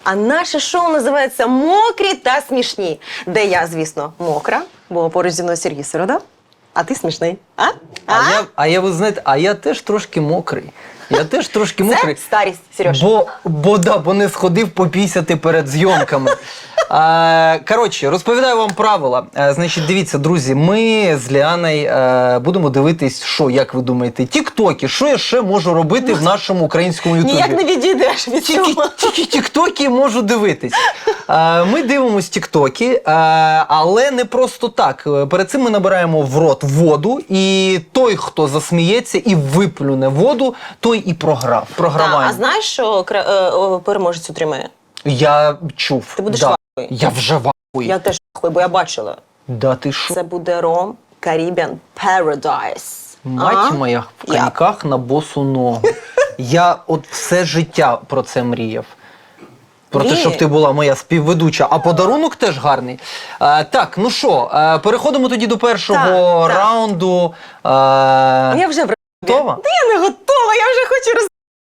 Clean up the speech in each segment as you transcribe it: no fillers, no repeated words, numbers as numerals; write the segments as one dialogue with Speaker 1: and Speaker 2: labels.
Speaker 1: А наше шоу називається «Мокрі та смішні», де я, звісно, мокра, бо поруч зі мною Сергій Сирода, а ти смішний.
Speaker 2: Ви знаєте, а я теж трошки мокрий. Я теж трошки мокрий.
Speaker 1: Це старість, Сереж.
Speaker 2: Бо не сходив попісяти перед зйомками. Коротше, розповідаю вам правила. Значить, дивіться, друзі, ми з Ліаною будемо дивитись, що, як ви думаєте, тіктоки. Що я ще можу робити в нашому українському ютубі?
Speaker 1: Ніяк не відійдеш від цього.
Speaker 2: Тільки тіктоки можу дивитись. Ми дивимось тіктоки, але не просто так. Перед цим ми набираємо в рот воду, і той, хто засміється і виплюне воду, той і програв. Програваємо.
Speaker 1: А знаєш, що переможець отримає?
Speaker 2: Я чув.
Speaker 1: Ти будеш
Speaker 2: да.
Speaker 1: вахуй.
Speaker 2: Я вже вахуй.
Speaker 1: Я теж вахуй, бо я бачила.
Speaker 2: Да ти що?
Speaker 1: Це буде ром Caribbean Paradise.
Speaker 2: Мать моя, в коньках на босу ногу. Я от все життя про це мріяв. Про те, щоб ти була моя співведуча. А подарунок теж гарний. Так, ну що, переходимо тоді до першого раунду.
Speaker 1: Я вже
Speaker 2: готова?
Speaker 1: Та я не готова, я вже хочу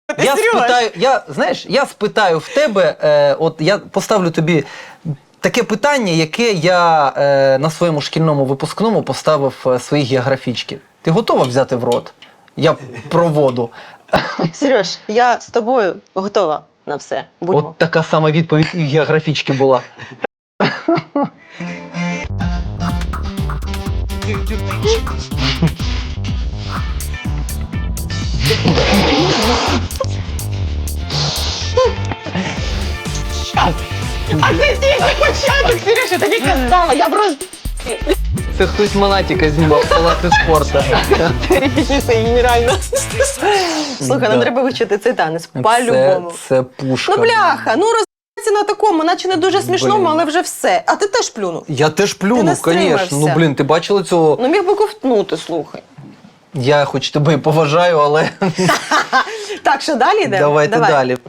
Speaker 2: Я спитаю в тебе, от я поставлю тобі таке питання, яке я на своєму шкільному випускному поставив своїх географічки. Ти готова взяти в рот? Я про воду.
Speaker 1: Сереж, я з тобою готова на все. Будьмо.
Speaker 2: От така сама відповідь і географічки була.
Speaker 1: А це тільки початок, Сереж, я тобі казала, я просто...
Speaker 2: Це хтось Монатіка знімав в палаці спорту.
Speaker 1: Репетиція генеральна. Слухай, нам треба вивчити цей танець, по-любому.
Speaker 2: Це пушка.
Speaker 1: Ну бляха, ну розбирається на такому, наче не дуже смішному, але вже все. А ти теж плюнув.
Speaker 2: Я теж плюнув, звісно. Ну блін, ти бачила цього?
Speaker 1: Ну міг би ковтнути, слухай.
Speaker 2: Я хоч тебе і поважаю, але...
Speaker 1: Так, що далі йдемо?
Speaker 2: Давайте далі.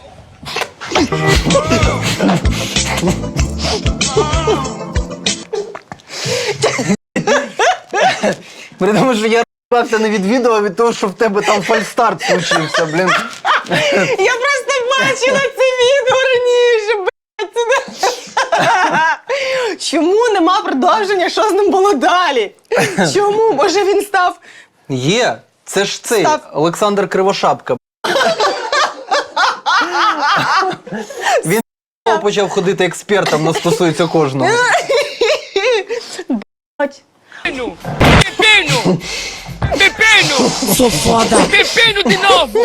Speaker 2: При тому, що я р***ався не від відео, а від того, що в тебе там фальстарт случився, блін.
Speaker 1: Я просто бачила це відео раніше, блядь. Чому нема продовження, що з ним було далі? Чому? Може він став...
Speaker 2: Є, це ж цей, Олександр Кривошапка. Він почав ходити експертом, но стосується кожного.
Speaker 3: Depeno! Depeno! Sou foda! Depeno de novo!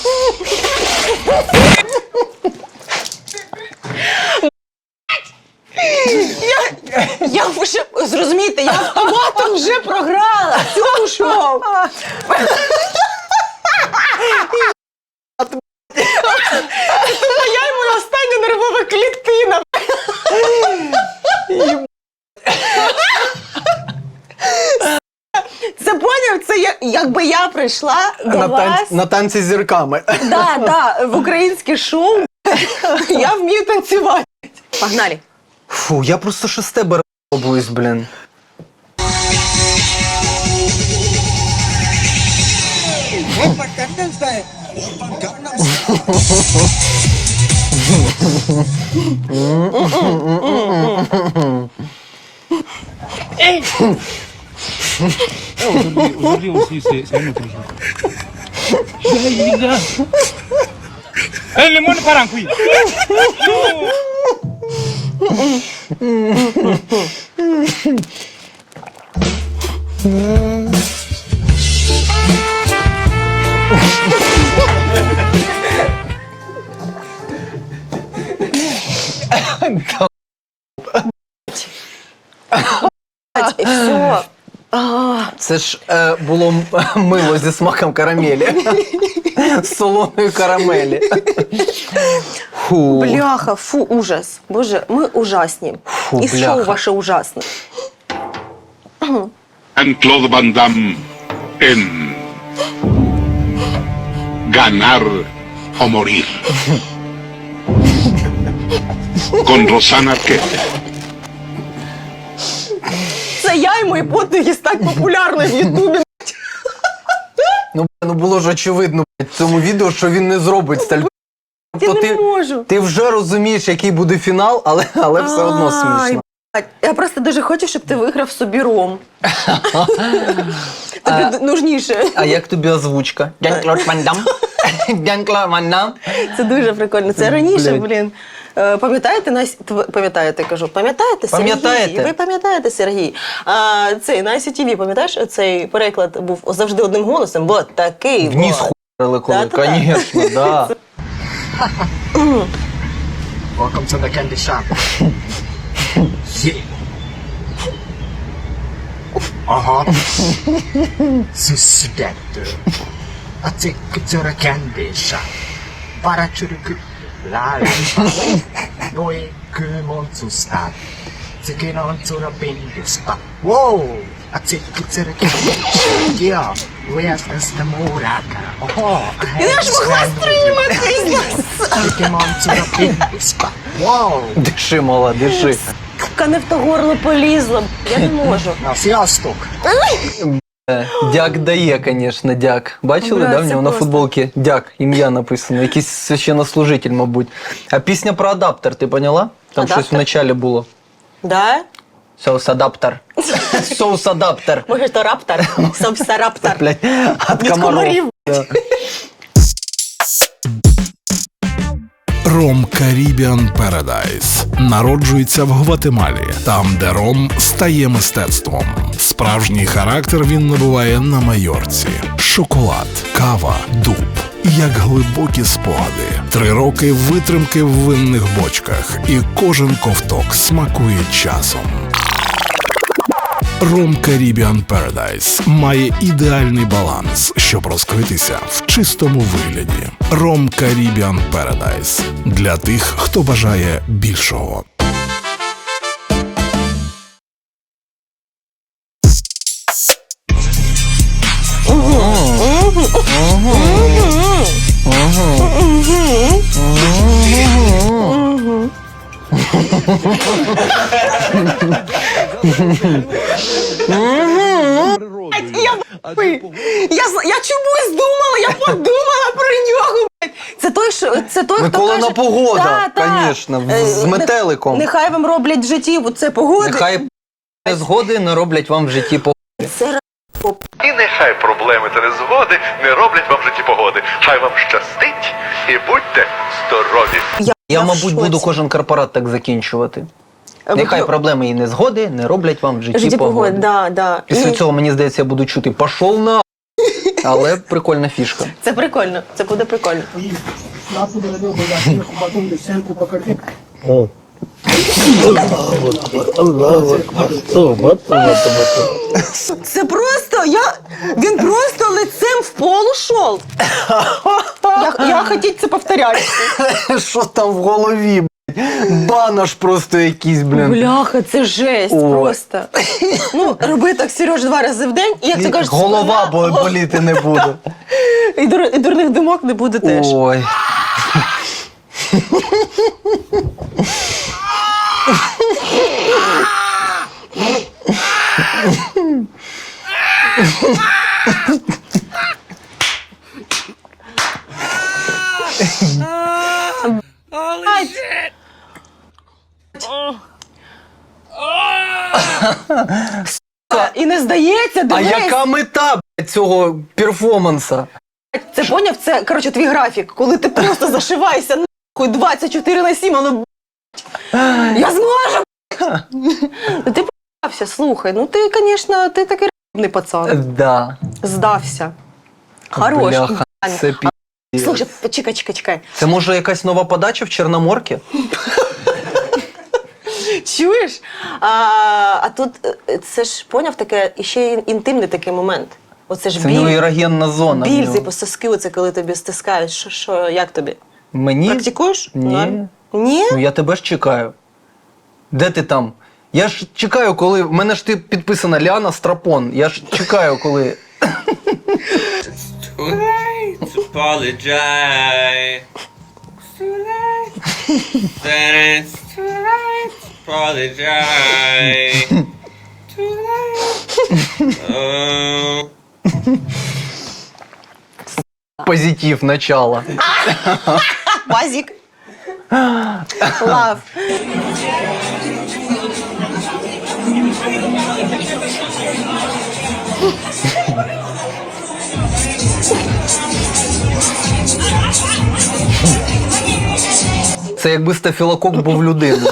Speaker 1: Я вже, зрозумійте, я автоматом вже програла цьому шоу. Це моя і моя остання нервова клітина. Це поняв? Це якби я прийшла до вас...
Speaker 2: На танці з зірками.
Speaker 1: Да, в українське шоу. Я вмію танцювати. Погнали.
Speaker 2: Фу, я просто ще з тебе робуюсь, блін.
Speaker 3: Aujourd'hui aussi, c'est un autre jour. Le monde part en couille.
Speaker 1: І все.
Speaker 2: Це ж було мило зі смаком карамелі. З солоною карамелі. Фу.
Speaker 1: Бляха, фу, ужас. Боже, ми ужасні.
Speaker 2: Фу,
Speaker 1: І шоу ваше ужасне.
Speaker 4: Jean-Claude Van Damme en Ganar o Morir. Con Rosana Arquette.
Speaker 1: Це я і мої подвиги стать популярною в Ютубі.
Speaker 2: Ну було ж очевидно в цьому відео, що він не зробить сталь
Speaker 1: Я
Speaker 2: Тобто
Speaker 1: не можу.
Speaker 2: Ти вже розумієш, який буде фінал, але все одно смішно.
Speaker 1: Ай, я просто дуже хочу, щоб ти виграв собі ром. Тобі нужніше.
Speaker 2: А як тобі озвучка? Жан-Клод Ван Дам? Жан-Клод Ван Дам?
Speaker 1: Це дуже прикольно. Це раніше,
Speaker 2: Блядь.
Speaker 1: блін. Пам'ятаєте, кажу, пам'ятаєте, Сергій?
Speaker 2: Пам'ятаєте?
Speaker 1: Ви пам'ятаєте, Сергій? Цей на ICTV, пам'ятаєш, цей переклад був завжди одним голосом, бо такий.
Speaker 2: Вниз
Speaker 1: от.
Speaker 2: хуярили коли,
Speaker 1: Да-да-да.
Speaker 2: звісно, да.
Speaker 5: Welcome to the candy shop. Yeah. Susidetto. I take you to the candy shop. Para churuku. La la. Noi kumon to start. Take it on to the bingo spot. Whoa! I take you to the candy shop. Yeah. Where's the Muraka? Oh, I
Speaker 1: Я ж могла стриматись!
Speaker 5: Take him on to the bingo spot. Whoa!
Speaker 2: Диши, мала, диши.
Speaker 1: Не в то горло полізла, я не можу.
Speaker 5: На фіасток.
Speaker 2: Дяк дає, звісно, дяк. Бачили,
Speaker 1: Бля,
Speaker 2: да, в
Speaker 1: це
Speaker 2: нього на
Speaker 1: просто.
Speaker 2: футболці дяк, ім'я написано, якийсь священнослужитель, мабуть. А пісня про адаптер, ти поняла? Там
Speaker 1: Адаптер?
Speaker 2: щось в началі було.
Speaker 1: Да?
Speaker 2: Соус-адаптер. Соус-адаптер.
Speaker 1: Може, то раптор? Совся раптор.
Speaker 2: Блядь, от
Speaker 1: Від
Speaker 2: комаров.
Speaker 1: комарів.
Speaker 2: Да.
Speaker 6: Ром Caribbean Paradise народжується в Гватемалі, там, де ром стає мистецтвом. Справжній характер він набуває на Майорці. Шоколад, кава, дуб. Як глибокі спогади. 3 роки витримки в винних бочках, і кожен ковток смакує часом. Ром Caribbean Paradise має ідеальний баланс, щоб розкритися в чистому вигляді. Ром Caribbean Paradise – для тих, хто бажає більшого.
Speaker 1: Я чомусь думала, я подумала про нього. блядь. Це той, хто
Speaker 2: Миколина
Speaker 1: каже...
Speaker 2: погода,
Speaker 1: Та,
Speaker 2: конечно, з метеликом.
Speaker 1: Нехай вам роблять в житті це погоди.
Speaker 2: Нехай незгоди не роблять вам в житті по...
Speaker 1: Це
Speaker 7: І нехай проблеми та незгоди не роблять вам в житті погоди. Хай вам щастить і будьте здорові.
Speaker 2: Я,
Speaker 1: в
Speaker 2: мабуть,
Speaker 1: шоці.
Speaker 2: буду кожен корпорат так закінчувати. Нехай проблеми і незгоди не роблять вам в житті
Speaker 1: житті погоди.
Speaker 2: погоди.
Speaker 1: Да, да.
Speaker 2: Після
Speaker 1: І
Speaker 2: цього, мені здається, я буду чути «пошов на...» Але прикольна фішка.
Speaker 1: Це прикольно, це буде прикольно. Це просто, він просто лицем в пол ушов. Я хотіть це повторяти.
Speaker 2: Що там в голові, блядь? Банош просто якийсь, блін.
Speaker 1: Бляха, це жесть
Speaker 2: Ой.
Speaker 1: просто. Ну, роби так, Сереж, 2 рази в день, і як ти кажеш,
Speaker 2: Голова
Speaker 1: спина,
Speaker 2: боліти не буде.
Speaker 1: і дурних думок не буде теж.
Speaker 2: Ой.
Speaker 3: Holy shit!
Speaker 1: І не здається,
Speaker 2: А
Speaker 1: дивись.
Speaker 2: яка мета, блядь, цього перформанса?
Speaker 1: Це поняв? Це, коротше, твій графік, коли ти просто зашиваєшся нахуй 24/7, але б***ь, я зможу. б***ь. Ну, ти п***ався, слухай, ну ти, звісно, ти такий р***ний пацан.
Speaker 2: Да.
Speaker 1: Здався. Хорош.
Speaker 2: Бляха,
Speaker 1: ідеально.
Speaker 2: це пі...
Speaker 1: Слухай, чекай.
Speaker 2: Це може якась нова подача в Чорноморці?
Speaker 1: Чуєш? А тут це ж, поняв, таке, іще й інтимний такий момент. Оце ж
Speaker 2: Це в нього
Speaker 1: біль,
Speaker 2: ерогенна зона. в
Speaker 1: біль,
Speaker 2: нього.
Speaker 1: типу, соски, оце коли тобі стискають. Що, як тобі?
Speaker 2: Мені?
Speaker 1: Практикуєш?
Speaker 2: Ні.
Speaker 1: Ні?
Speaker 2: Ну я тебе ж чекаю. Де ти там? Я ж чекаю, коли. В мене ж ти підписана Ліана Страпон. Я ж чекаю, коли.
Speaker 8: Too late to apologize. It's too late. Then it's too late to apologize. Too late. Oh.
Speaker 2: Позитив, начало.
Speaker 1: Базік. Лав.
Speaker 2: Це якби стафілокок був людиною.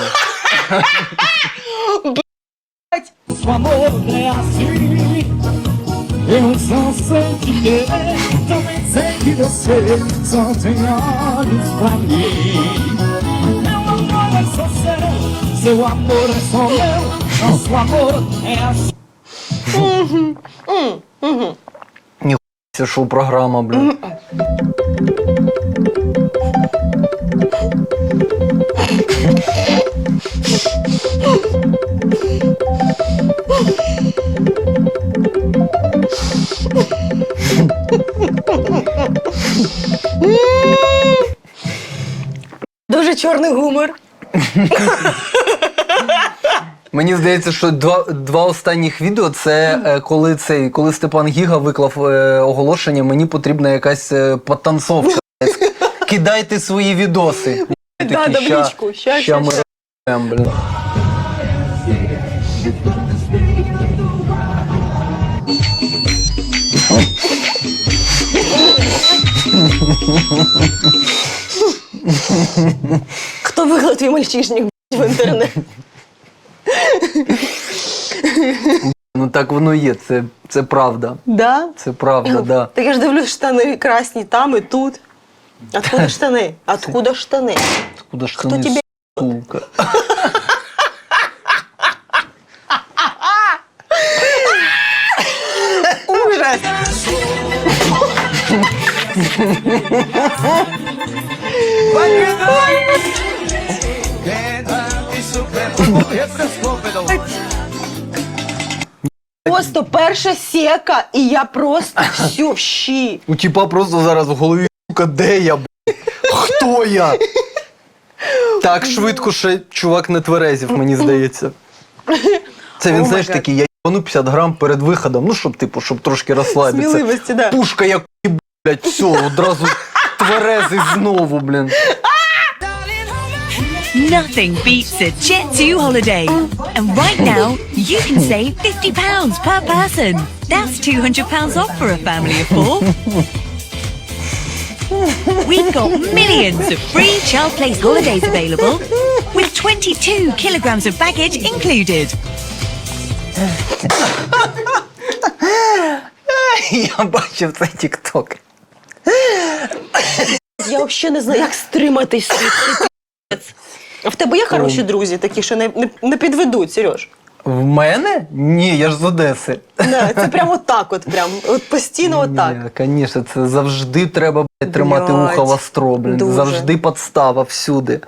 Speaker 3: O amor é assim. Eu só sei te querer. Também sei que você só tem olhos pra mim. Meu amor é só seu. Seu amor é só meu. Nosso amor é assim.
Speaker 2: Це шоу-програма, блін.
Speaker 1: Дуже чорний гумор.
Speaker 2: Мені здається, що два останніх відео це коли Степан Гіга виклав оголошення, мені потрібна якась подтанцовка. Кидайте свої відоси.
Speaker 1: Да, да, в лічку.
Speaker 2: Ща ми робимо, блін.
Speaker 1: Хто виклав твій мальчишник в інтернет?
Speaker 2: Ну так воно є, це правда.
Speaker 1: Да?
Speaker 2: Це правда, да.
Speaker 1: Так я ж дивлюсь, штани красні там і тут. Откуда штани? Откуда штани?
Speaker 2: Куда ж
Speaker 1: Хто
Speaker 2: ти не,
Speaker 1: тебе
Speaker 2: сука?
Speaker 1: Ужас! Просто перша сека, і я просто все в щі.
Speaker 2: У тіпа просто зараз в голові, сука, де я, хто я? Так швидко ще чувак не тверезів, мені здається. Це він, знаєш, такий, я їбану 50 грам перед виходом, ну, щоб трошки розслабитися.
Speaker 1: Сміливості, да.
Speaker 2: Пушка, як блядь, все, одразу тверезий знову, блін.
Speaker 9: Nothing beats a Jet2 holiday. And right now, you can save £50 per person. That's £200 off for a family of 4. We've got millions of free child place holidays available with 22 kilograms of baggage included.
Speaker 2: Я бачив цей тік-ток.
Speaker 1: Я взагалі не знаю, як стриматись. А в тебе є хороші друзі, такі, що не підведуть, Сереж?
Speaker 2: В мене? Ні, я ж з Одеси.
Speaker 1: Да, це прямо так от, от постійно отак.
Speaker 2: Ні, звісно, це завжди треба, блядь, тримати
Speaker 1: Блядь,
Speaker 2: ухо востро, блін.
Speaker 1: дуже.
Speaker 2: Завжди подстава всюди.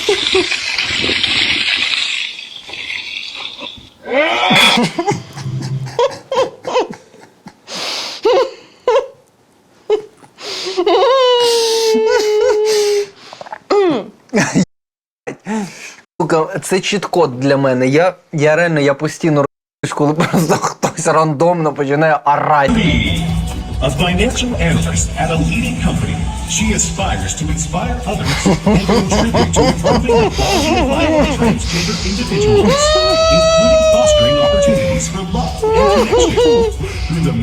Speaker 2: Сука, це чіт-код для мене. Я реально, постійно р***юсь, коли просто хтось рандомно починає орати.
Speaker 3: A financial analyst at a leading company, she aspires to inspire others and contribute to improving the quality of life of transgender individuals, including fostering opportunities for love and connection through the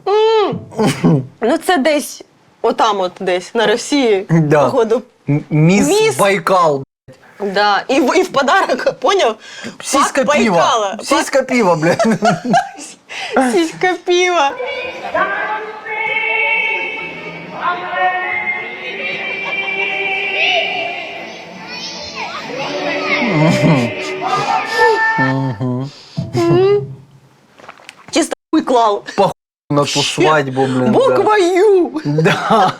Speaker 1: Ну це десь, отам от десь, на Росії,
Speaker 2: Да.
Speaker 1: походу.
Speaker 2: Міс Байкал.
Speaker 1: Да. І в подарок, поняв?
Speaker 2: Сіська
Speaker 1: Пак
Speaker 2: піва.
Speaker 1: Байкала.
Speaker 2: Сіська піва, блядь.
Speaker 1: Сіська піва. Чисто хуй клал.
Speaker 2: На ту свадьбу, блін.
Speaker 1: Буква Ю.
Speaker 2: Да.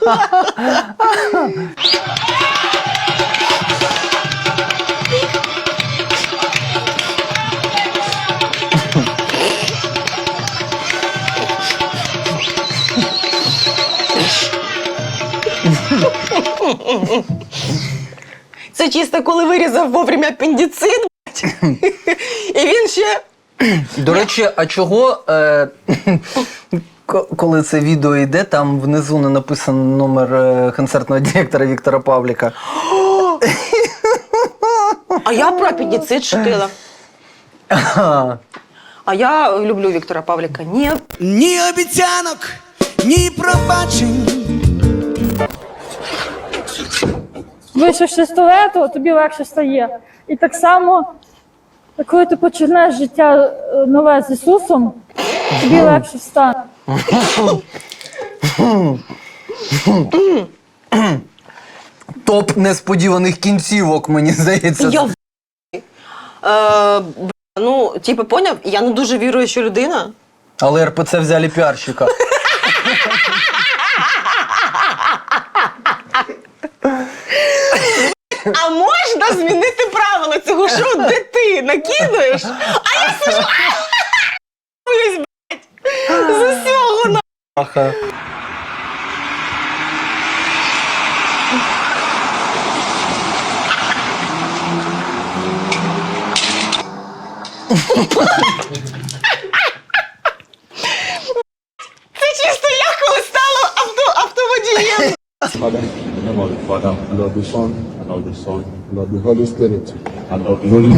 Speaker 1: Це чисто коли вирізав вовремя апендицит, і він ще...
Speaker 2: До речі, а чого коли це відео йде, там внизу не написано номер концертного директора Віктора Павліка.
Speaker 1: А я про апендицит шутила. А я люблю Віктора Павліка. Ні.
Speaker 3: Ні обіцянок, ні пробачень.
Speaker 10: Вийшовши з туалету, тобі легше стає. І так само, коли ти починаєш життя нове з Ісусом, тобі легше стане.
Speaker 2: Топ несподіваних кінцівок, мені здається.
Speaker 1: Я ну, типу, поняв? Я не дуже віруюча людина.
Speaker 2: Але РПЦ взяли піарщика.
Speaker 1: А можна змінити правила цього шоу, де ти накидуєш, а я сижу блядь, з усього на...
Speaker 2: Аха.
Speaker 1: Це чисто я, коли стала автоводієм.
Speaker 11: Father, in the name of the Father, and of the Son, and of the Son, and of the Holy Spirit, and of the Holy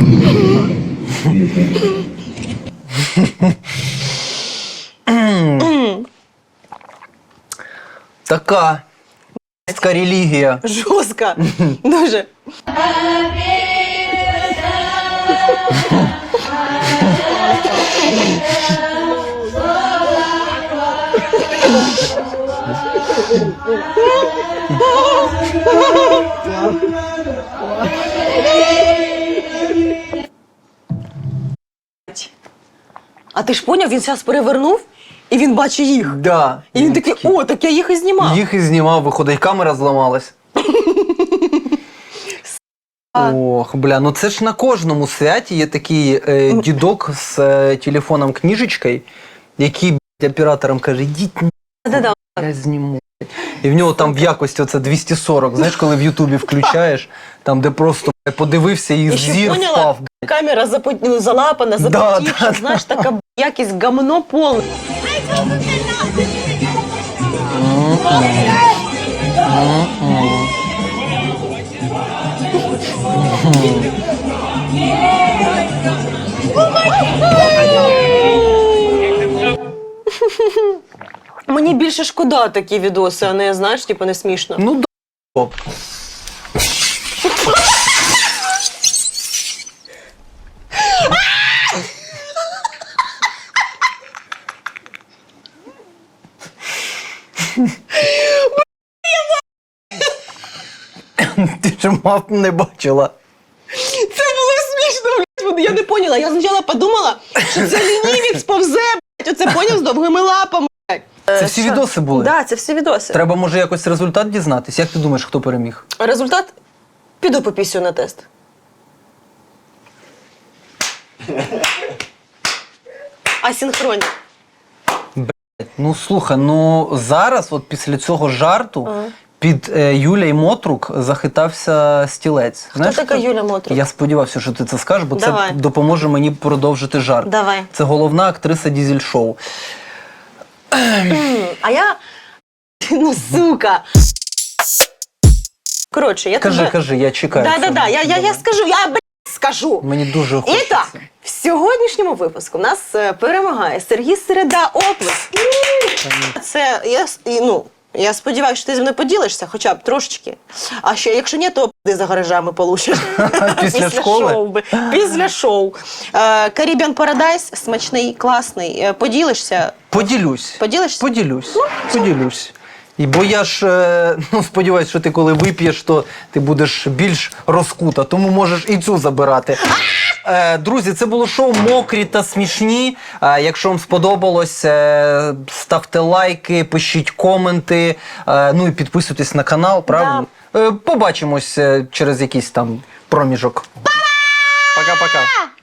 Speaker 11: Spirit.
Speaker 2: Така релігія.
Speaker 1: Жорстко. Дуже. А ти ж поняв, він зараз перевернув, і він бачить їх.
Speaker 2: Да.
Speaker 1: І він такий, о, так я їх і знімав.
Speaker 2: Їх і знімав, виходить, камера зламалась. Ох, бля, ну це ж на кожному святі є такий дідок з телефоном книжечкою, який, блядь, операторам каже, йдіть,
Speaker 1: Да-да.
Speaker 2: я зніму. І в нього там в якості оце 240, знаєш, коли в Ютубі включаєш, там де просто подивився і
Speaker 1: І ще
Speaker 2: зір
Speaker 1: поняла,
Speaker 2: впав.
Speaker 1: камера залапана, запотівша,
Speaker 2: да,
Speaker 1: знаєш, така якість гамно повне. Мені більше шкода такі відоси, а не, знаєш, типу, не смішно.
Speaker 2: Ну, да. Ти ж мав не бачила.
Speaker 1: Це було смішно, блядь. Я не поняла. Я спочатку подумала, що це лінівець повзе, блядь. Оце поняв з довгими лапами, блядь.
Speaker 2: Це всі відоси були?
Speaker 1: Так, да, це всі відоси.
Speaker 2: Треба, може, якось результат дізнатись? Як ти думаєш, хто переміг?
Speaker 1: Результат? Піду попісю на тест. Асінхронні.
Speaker 2: Ну, слухай, ну зараз, от після цього жарту, під Юлій Мотрук захитався стілець.
Speaker 1: Хто така Юля Мотрук?
Speaker 2: Я сподівався, що ти це скажеш, бо
Speaker 1: Давай.
Speaker 2: це допоможе мені продовжити жарт.
Speaker 1: Давай.
Speaker 2: Це головна актриса дізель-шоу.
Speaker 1: А я... Ну, сука. Коротше, я тебе...
Speaker 2: Кажи, я чекаю.
Speaker 1: Да, я скажу, я, блядь, скажу.
Speaker 2: Мені дуже
Speaker 1: І
Speaker 2: хочеться.
Speaker 1: так, в сьогоднішньому випуску у нас перемагає Сергій Середа, оплеск. Це, я сподіваюся, що ти зі мною поділишся, хоча б трошечки. А ще, якщо ні, то пи за гаражами получиш.
Speaker 2: Після школи?
Speaker 1: Шоу. Після шоу. Caribbean Paradise, смачний, класний. Поділишся?
Speaker 2: Поділюсь.
Speaker 1: Поділишся?
Speaker 2: Поділюсь. Поділюсь. І бо я ж сподіваюся, що ти коли вип'єш, то ти будеш більш розкута, тому можеш і цю забирати. Друзі, це було шоу «Мокрі та смішні». Якщо вам сподобалось, ставте лайки, пишіть коменти, ну і підписуйтесь на канал, правильно? Побачимось через якийсь там проміжок. Пока-пока.